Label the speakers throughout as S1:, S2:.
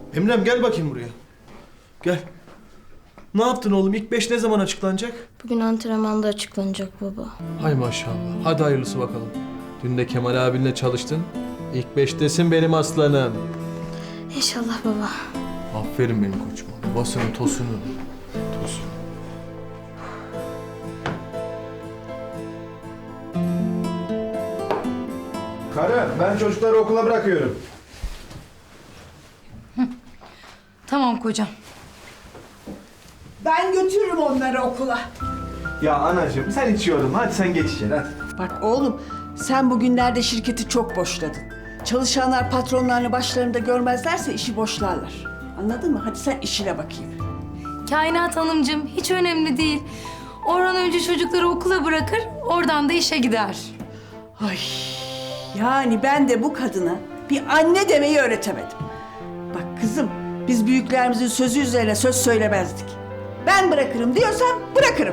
S1: Emrem gel bakayım buraya. Gel. Ne yaptın oğlum? İlk 5 ne zaman açıklanacak?
S2: Bugün antrenmanda açıklanacak baba.
S1: Hay maşallah. Hadi hayırlısı bakalım. Dün de Kemal abinle çalıştın. İlk 5'tesin benim aslanım.
S2: İnşallah baba.
S1: Aferin benim koçuma. Babasının tosunu. Tosun.
S3: Karı, ben çocukları okula bırakıyorum.
S4: Tamam kocam.
S5: Ben götürürüm onları okula.
S3: Ya anacığım sen hiç yorulma. Hadi sen geç içeri hadi.
S5: Bak oğlum, sen bugünlerde şirketi çok boşladın. Çalışanlar patronlarını başlarında görmezlerse işi boşlarlar. Anladın mı? Hadi sen işine bakayım.
S4: Kainat Hanımcığım hiç önemli değil. Orhan önce çocukları okula bırakır, oradan da işe gider.
S5: Ay, yani ben de bu kadına bir anne demeyi öğretemedim. Bak kızım, biz büyüklerimizin sözü üzerine söz söylemezdik. Ben bırakırım diyorsam bırakırım.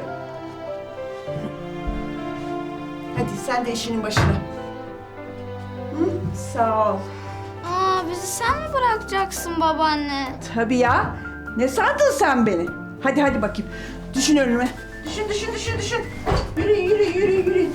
S5: Hadi sen de işinin başına. Hı? Sağ ol.
S2: Aa, bizi sen mi bırakacaksın babaanne?
S5: Tabii ya. Ne sandın sen beni? Hadi hadi bakayım. Düşün önüme. Düşün. Yürü.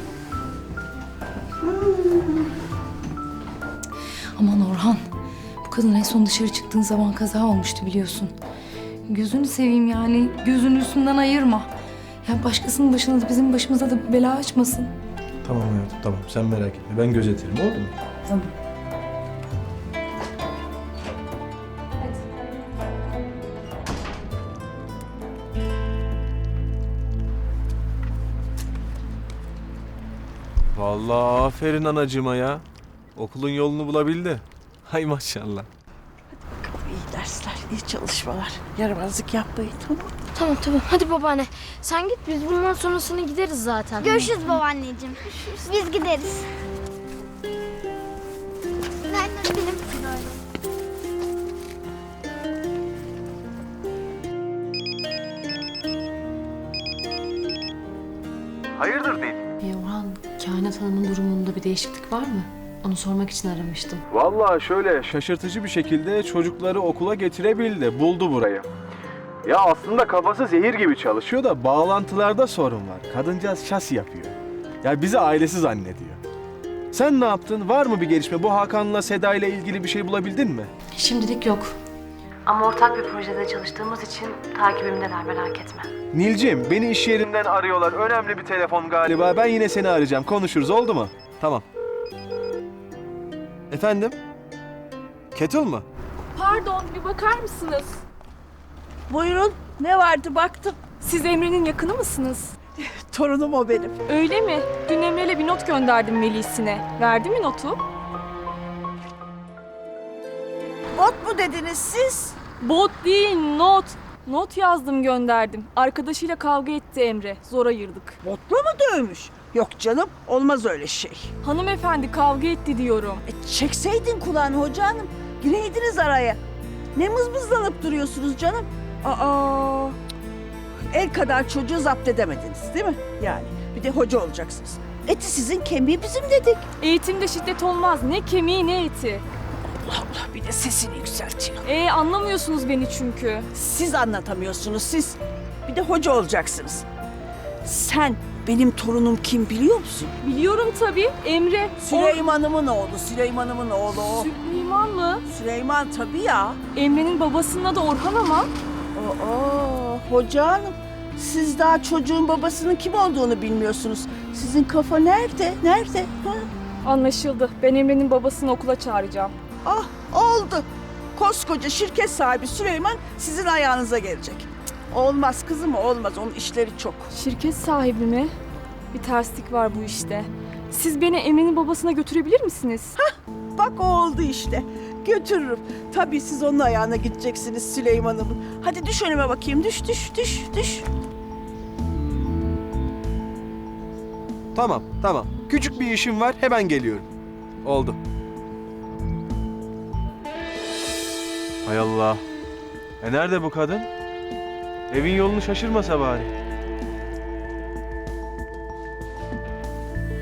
S4: Aman Orhan, bu kadın en son dışarı çıktığın zaman kaza olmuştu biliyorsun. Gözünü seveyim yani, gözünü üstünden ayırma. Ya başkasının başına da bizim başımıza da bir bela açmasın.
S1: Tamam hayatım tamam. Sen merak etme. Ben gözetirim oldu mu?
S4: Tamam.
S1: Vallahi aferin anacığıma ya. Okulun yolunu bulabildi. Hay maşallah.
S5: İyi dersler, iyi çalışmalar. Yaramazlık yapmayın, tamam mı?
S2: Tamam. Hadi babaanne. Sen git, biz bundan sonrasını gideriz zaten.
S6: Görüşürüz babaanneciğim. Biz gideriz. Ben de benim
S1: Hayırdır değil?
S7: Orhan, Kainat Hanım'ın durumunda bir değişiklik var mı? Onu sormak için aramıştım.
S1: Vallahi şöyle şaşırtıcı bir şekilde çocukları okula getirebildi. Buldu burayı. Ya aslında kafası zehir gibi çalışıyor da bağlantılarda sorun var. Kadıncağız şasi yapıyor. Ya bizi ailesi zannediyor. Sen ne yaptın? Var mı bir gelişme? Bu Hakan'la Seda ile ilgili bir şey bulabildin mi?
S7: Şimdilik yok. Ama ortak bir projede çalıştığımız için takibimdeler, merak etme.
S1: Nilcim, beni iş yerinden arıyorlar. Önemli bir telefon galiba. Ben yine seni arayacağım. Konuşuruz, oldu mu? Tamam. Efendim? Kettle mı?
S8: Pardon, bir bakar mısınız?
S5: Buyurun, ne vardı baktım.
S8: Siz Emre'nin yakını mısınız?
S5: Torunum o benim.
S8: Öyle mi? Dün Emre'yle bir not gönderdim Melis'ine. Verdi mi notu?
S5: Bot mu dediniz siz?
S8: Bot değil, not. Not yazdım gönderdim. Arkadaşıyla kavga etti Emre. Zor ayırdık.
S5: Botla mı dövmüş? Yok canım, olmaz öyle şey.
S8: Hanımefendi kavga etti diyorum.
S5: Çekseydin kulağını hoca hanım. Gireydiniz araya. Ne mızmızlanıp duruyorsunuz canım? Aa, el kadar çocuğu zapt edemediniz değil mi? Yani bir de hoca olacaksınız. Eti sizin, kemiği bizim dedik.
S8: Eğitimde şiddet olmaz. Ne kemiği ne eti.
S5: Allah bir de sesini yükseltiyor.
S8: Anlamıyorsunuz beni çünkü.
S5: Siz anlatamıyorsunuz siz. Bir de hoca olacaksınız. Sen benim torunum kim biliyor musun?
S8: Biliyorum tabii. Emre.
S5: Süleyman'ımın oğlu, Süleyman'ımın oğlu o.
S8: Süleyman mı?
S5: Süleyman tabii ya.
S8: Emre'nin babasının adı Orhan ama.
S5: Aa, hoca hanım. Siz daha çocuğun babasının kim olduğunu bilmiyorsunuz. Sizin kafa nerede? Nerede? Ha?
S8: Anlaşıldı. Ben Emre'nin babasını okula çağıracağım.
S5: Ah oldu. Koskoca şirket sahibi Süleyman sizin ayağınıza gelecek. Cık, olmaz kızım olmaz. Onun işleri çok.
S8: Şirket sahibi mi? Bir terslik var bu işte. Siz beni Emre'nin babasına götürebilir misiniz?
S5: Bak o oldu işte. Götürürüm. Tabii siz onun ayağına gideceksiniz Süleyman'ımın. Hadi düş önüme bakayım. Düş.
S1: Tamam. Küçük bir işim var. Hemen geliyorum. Oldu. Hay Allah. Nerede bu kadın? Evin yolunu şaşırmasa bari.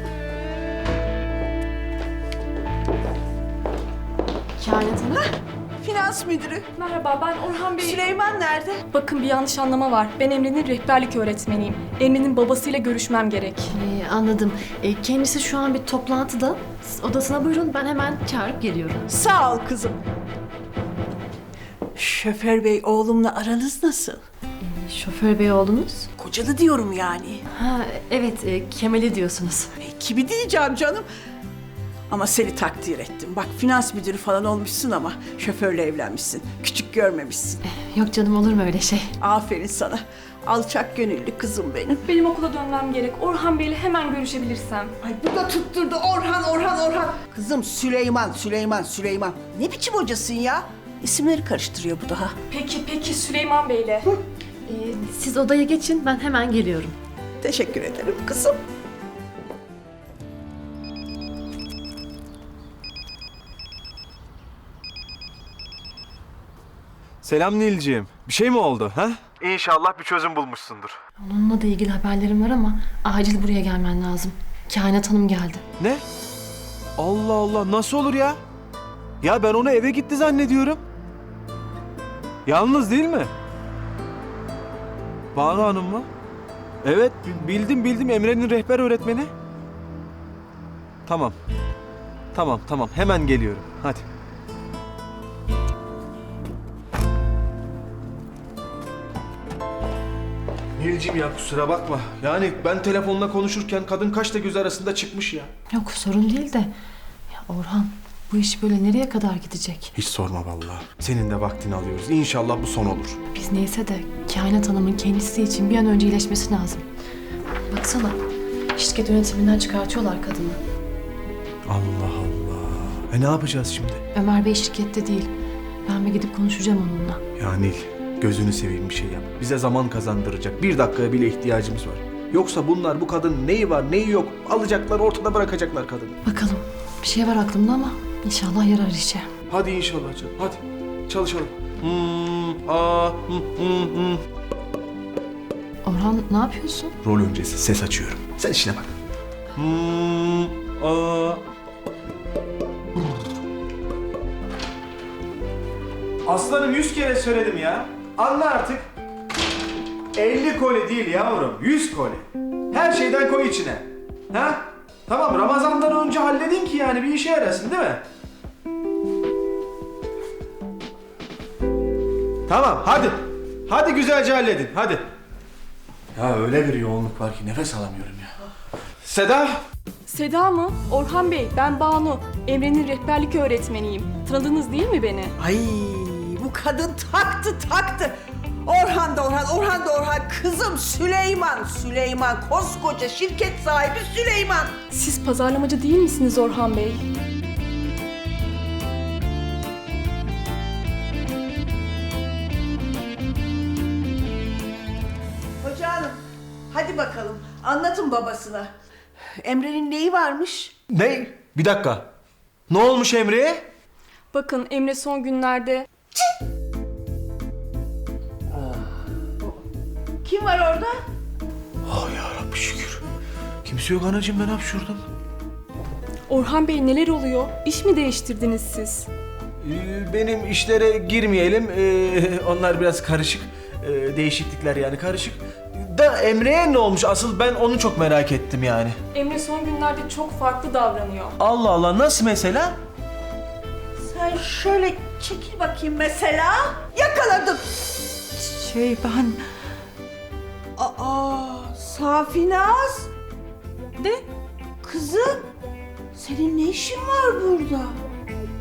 S7: Kainat Hanım,
S5: finans müdürü.
S8: Merhaba, ben Orhan Bey.
S5: Süleyman nerede?
S8: Bakın bir yanlış anlama var. Ben Emre'nin rehberlik öğretmeniyim. Emre'nin babasıyla görüşmem gerek.
S7: Anladım. Kendisi şu an bir toplantıda. Siz odasına buyurun, ben hemen çağırıp geliyorum.
S5: Sağ ol kızım. Şoför bey oğlumla aranız nasıl?
S7: Şoför bey oğlunuz?
S5: Kocalı diyorum yani.
S7: Ha, evet, Kemal'i diyorsunuz.
S5: Kimi diyeceğim canım? Ama seni takdir ettim. Bak finans müdürü falan olmuşsun ama şoförle evlenmişsin. Küçük görmemişsin.
S7: Yok canım, olur mu öyle şey?
S5: Aferin sana. Alçak gönüllü kızım benim.
S8: Benim okula dönmem gerek. Orhan Bey'le hemen görüşebilirsem.
S5: Ay bu da tutturdu Orhan. Kızım Süleyman. Ne biçim hocasın ya? İsimleri karıştırıyor bu daha.
S8: Peki Süleyman Bey'le.
S7: Siz odaya geçin, ben hemen geliyorum.
S5: Teşekkür ederim kızım.
S1: Selam Nilciğim. Bir şey mi oldu ha? İnşallah bir çözüm bulmuşsundur.
S7: Onunla da ilgili haberlerim var ama acil buraya gelmen lazım. Kainat Hanım geldi.
S1: Ne? Allah Allah, nasıl olur ya? Ya ben onu eve gitti zannediyorum. Yalnız değil mi? Banu Hanım mı? Evet, bildim Emre'nin rehber öğretmeni. Tamam, hemen geliyorum. Hadi. Nilcim ya, kusura bakma. Yani ben telefonla konuşurken kadın kaşla göz arasında çıkmış ya.
S7: Yok, sorun değil de. Ya Orhan, bu iş böyle nereye kadar gidecek?
S1: Hiç sorma vallahi. Senin de vaktini alıyoruz. İnşallah bu son olur.
S7: Biz neyse de Kainat Hanım'ın kendisi için bir an önce iyileşmesi lazım. Baksana, şirket yönetiminden çıkartıyorlar kadını.
S1: Allah Allah. Ne yapacağız şimdi?
S7: Ömer Bey şirkette değil. Ben bir gidip konuşacağım onunla.
S1: Ya Nil, gözünü seveyim bir şey yap. Bize zaman kazandıracak. Bir dakikaya bile ihtiyacımız var. Yoksa bunlar bu kadının neyi var neyi yok alacaklar, ortada bırakacaklar kadını.
S7: Bakalım, bir şey var aklımda ama inşallah yarar işe.
S1: Hadi inşallah canım, hadi çalışalım.
S7: Orhan, ne yapıyorsun?
S1: Rol öncesi ses açıyorum. Sen işine bak. Aslanım 100 kere söyledim ya. Anla artık. 50 koli değil yavrum, 100 koli. Her şeyden koy içine. Ha? Tamam, Ramazan'dan önce halledin ki yani bir işe yarasın değil mi? Tamam, hadi. Hadi güzelce halledin, hadi. Ya öyle bir yoğunluk var ki nefes alamıyorum ya. Seda.
S8: Seda mı? Orhan Bey, ben Banu. Emre'nin rehberlik öğretmeniyim. Tanıdınız değil mi beni?
S5: Ay bu kadın taktı. Orhan da Orhan. Kızım Süleyman. Koskoca şirket sahibi Süleyman.
S8: Siz pazarlamacı değil misiniz Orhan Bey?
S5: Hoca hanım hadi bakalım anlatın babasına. Emre'nin neyi varmış?
S1: Ne? Bir dakika. Ne olmuş Emre'ye?
S8: Bakın Emre son günlerde...
S5: Kim var orada?
S1: Oh yarabbi şükür. Kimse yok anacığım, ben hapşurdum.
S8: Orhan Bey neler oluyor? İş mi değiştirdiniz siz?
S1: Benim işlere girmeyelim. Onlar biraz karışık. Değişiklikler yani karışık. Da Emre'ye ne olmuş? Asıl ben onu çok merak ettim yani.
S8: Emre son günlerde çok farklı davranıyor.
S1: Allah Allah, nasıl mesela?
S5: Sen şöyle çekil bakayım mesela. Yakaladım. Ben... Safinaz. Ne? Kızım, senin ne işin var burada?